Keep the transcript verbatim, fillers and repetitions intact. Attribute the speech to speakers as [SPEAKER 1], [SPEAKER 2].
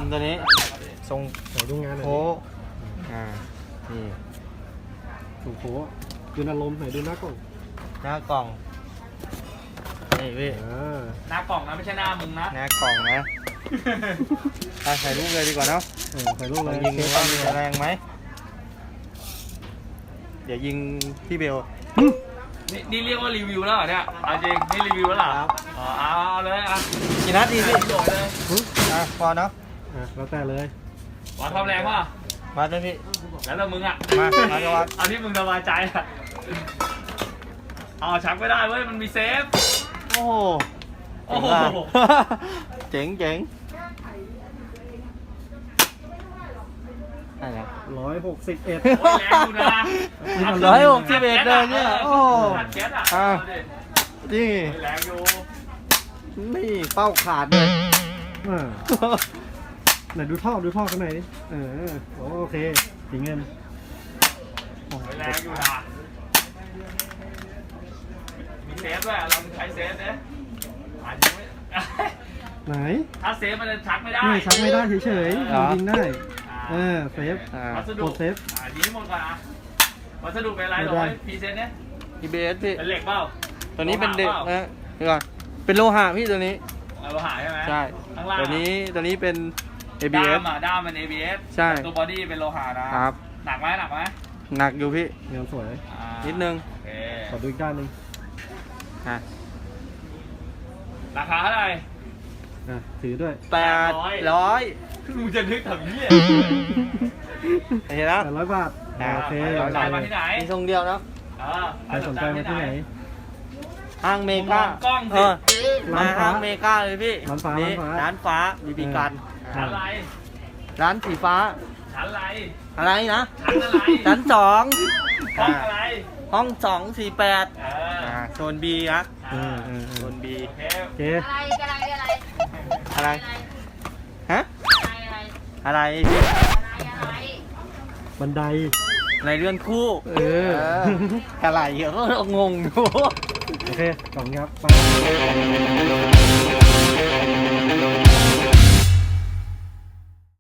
[SPEAKER 1] ตัวนี้ทรง
[SPEAKER 2] ใส่ดูงานหน่อย
[SPEAKER 1] โค้อ่านี่
[SPEAKER 2] ถูกโค้คือนารมณ์ใส่ดูหน้ากล่อง
[SPEAKER 1] หน้ากล่องนี่พี่
[SPEAKER 2] อ่า
[SPEAKER 3] หน้ากล่องนะไม่ใช่หน้ามึงนะ
[SPEAKER 1] หน้ากล่องนะอ่ะใส่ลูกเลยดีกว่าเนาะ
[SPEAKER 2] เออใส่ลูก
[SPEAKER 1] ล
[SPEAKER 2] เล
[SPEAKER 1] อย งยิงดู
[SPEAKER 2] เท
[SPEAKER 1] ว่า
[SPEAKER 2] ส
[SPEAKER 1] มันจะแรงไหมเดี๋ยวยิงพี่เบล
[SPEAKER 3] นี่นี่เรียกว่ารีวิวแล้วเหรอเนี่ยเอาจริงนี่รีวิวแล้วเหรอ
[SPEAKER 1] ครับ
[SPEAKER 3] อ๋อเอาเอาเลยอ่ะ
[SPEAKER 1] กี่นัดดีพี่
[SPEAKER 3] โดดเลย
[SPEAKER 1] อ่ะพอเนาะ
[SPEAKER 2] อ่ะแล้วแต่เลย
[SPEAKER 3] วัดความแรงป่ะ
[SPEAKER 1] มาเลยพี่
[SPEAKER 3] แล้วแต่มึงอ่ะ
[SPEAKER 1] มามาจะวัด
[SPEAKER 3] เอาที่มึงสบายใจอ่ะเอาชักไม่ได้เว้ยมันมีเซฟ
[SPEAKER 1] โอ้โห
[SPEAKER 3] โอ้โห
[SPEAKER 1] เจ๋งเจ๋งอะไร
[SPEAKER 2] ร้อยหกสิบเอ็ด
[SPEAKER 3] โอ้ยแรงอยู่นะ
[SPEAKER 1] ร้อยหกสิบเอ็ดเลยเนี่ยโอ้
[SPEAKER 3] ขัดแก๊สอ่ะ
[SPEAKER 1] อ่ะ
[SPEAKER 3] เอาดิ
[SPEAKER 1] นี่
[SPEAKER 3] โอ้ยแรงอยู่
[SPEAKER 1] นี่เป้าขาดเลย
[SPEAKER 2] อ่าไหนดูท่อดูท่อข้างในดิเออโอเคสีเงิน
[SPEAKER 3] โอ้ยแรงอยู่นะมีเซฟด้วยเราใช้เซฟเนี่ยอาจจะไม่
[SPEAKER 2] ไหน
[SPEAKER 3] ถ้าเซฟมันจะชักไม่ได้
[SPEAKER 2] นี่ชักไม่ได้เฉยๆมันยิงได้
[SPEAKER 3] อ่า
[SPEAKER 2] เออเซฟ
[SPEAKER 1] อ่า
[SPEAKER 3] วัสดุ
[SPEAKER 2] กดเซฟ
[SPEAKER 3] อ่านี้หมดก่อนอ่ะวัสดุเป็นอะไร
[SPEAKER 2] ไม่
[SPEAKER 3] หร
[SPEAKER 2] ได้
[SPEAKER 3] อพรีเซนต์เนี่ย
[SPEAKER 1] อี บี เอส พี่
[SPEAKER 3] เป็นเหล็กเปล่า
[SPEAKER 1] ตัวนี้เป็นเด็ก
[SPEAKER 3] โลหะปล่า
[SPEAKER 1] นะเดี๋ยวก่อนเป็นโลหะพี่ตัวนี้
[SPEAKER 3] เอาโลหะใช่ไหม
[SPEAKER 1] ใช่
[SPEAKER 3] ข้างล่าง
[SPEAKER 1] ตัวนี้ตัวนี้เป็น เอ บี เอ
[SPEAKER 3] ด้า
[SPEAKER 1] ส
[SPEAKER 3] มอ่ะด้ามเป็น เอ บี เอส
[SPEAKER 1] ใช่
[SPEAKER 3] ตัวบอดี้เป็นโลหะนะครับ หนักไหมหนักไหม
[SPEAKER 1] หนักอยู่พี่
[SPEAKER 2] เงินสวย
[SPEAKER 3] อ่า
[SPEAKER 1] นิดนึง
[SPEAKER 3] โอเค
[SPEAKER 2] ขอดูอีกด้านหนึ่ง
[SPEAKER 1] อ่ะ
[SPEAKER 3] ราคาเท่าไหร่
[SPEAKER 2] อ่ะถือด้วย
[SPEAKER 1] แปดร้อย
[SPEAKER 3] มึงจะนึกทำเหี้ย
[SPEAKER 1] เห็นแล้ว
[SPEAKER 2] แปดร้อยบาท
[SPEAKER 1] อ่า
[SPEAKER 2] โอเค
[SPEAKER 3] ส
[SPEAKER 2] โอน
[SPEAKER 3] ใจ
[SPEAKER 2] เค
[SPEAKER 3] มาที่ไหน
[SPEAKER 1] มีทรงเดียวเนาะ
[SPEAKER 3] เออ
[SPEAKER 2] ใครสนใจมาที่ไหน
[SPEAKER 1] ห้างเมกา
[SPEAKER 3] ผมมองกล้องสิ
[SPEAKER 1] เออ
[SPEAKER 2] ร้านฟ้า
[SPEAKER 1] ห้างเมกาเลยพี่
[SPEAKER 2] ร้านฟ้า
[SPEAKER 1] นี่
[SPEAKER 2] ร้านฟ้า
[SPEAKER 1] ร้านฟ้าบีบีกัน
[SPEAKER 3] ชั้นอะไร
[SPEAKER 1] ร้านสีฟ้า
[SPEAKER 3] ชั้นอะไร
[SPEAKER 1] อะไรนะ
[SPEAKER 3] ชั้นอะไร
[SPEAKER 1] ชั้นสอง
[SPEAKER 3] ห้องอะไร
[SPEAKER 1] ห้องสองสี่แปด
[SPEAKER 3] เออ
[SPEAKER 1] อ่าโซนบีนะ
[SPEAKER 2] เออเออเอ
[SPEAKER 1] โซ
[SPEAKER 2] อน
[SPEAKER 1] บี
[SPEAKER 3] โอเค
[SPEAKER 2] โอเค
[SPEAKER 4] อะไรอะไรอะไร
[SPEAKER 1] อะไร ฮะ
[SPEAKER 4] อะไรอะไร
[SPEAKER 1] อะไร
[SPEAKER 4] อะไร
[SPEAKER 2] บันได
[SPEAKER 1] อะไรเรือนคู่
[SPEAKER 2] เออ
[SPEAKER 1] อะไรเยอะก็งงอยู่
[SPEAKER 2] โอเคขอบคุณครับไป